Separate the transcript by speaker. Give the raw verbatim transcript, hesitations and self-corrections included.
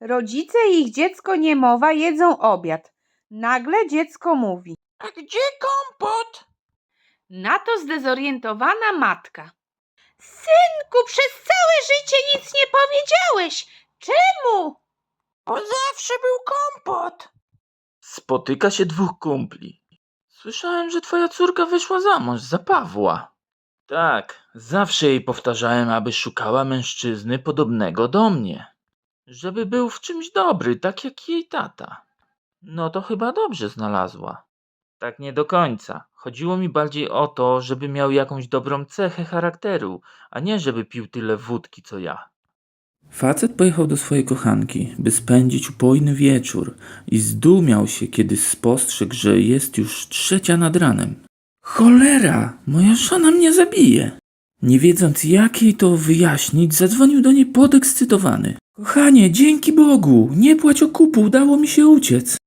Speaker 1: Rodzice i ich dziecko niemowa jedzą obiad. Nagle dziecko mówi:
Speaker 2: A gdzie kompot?
Speaker 1: Na to zdezorientowana matka: Synku, przez całe życie nic nie powiedziałeś. Czemu?
Speaker 2: Bo zawsze był kompot.
Speaker 3: Spotyka się dwóch kumpli. Słyszałem, że twoja córka wyszła za mąż za Pawła. Tak, zawsze jej powtarzałem, aby szukała mężczyzny podobnego do mnie. Żeby był w czymś dobry, tak jak jej tata. No to chyba dobrze znalazła. Tak nie do końca. Chodziło mi bardziej o to, żeby miał jakąś dobrą cechę charakteru, a nie żeby pił tyle wódki co ja. Facet pojechał do swojej kochanki, by spędzić upojny wieczór i zdumiał się, kiedy spostrzegł, że jest już trzecia nad ranem. Cholera, moja żona mnie zabije. Nie wiedząc jak jej to wyjaśnić, zadzwonił do niej podekscytowany. Kochanie, dzięki Bogu, nie płać okupu, udało mi się uciec.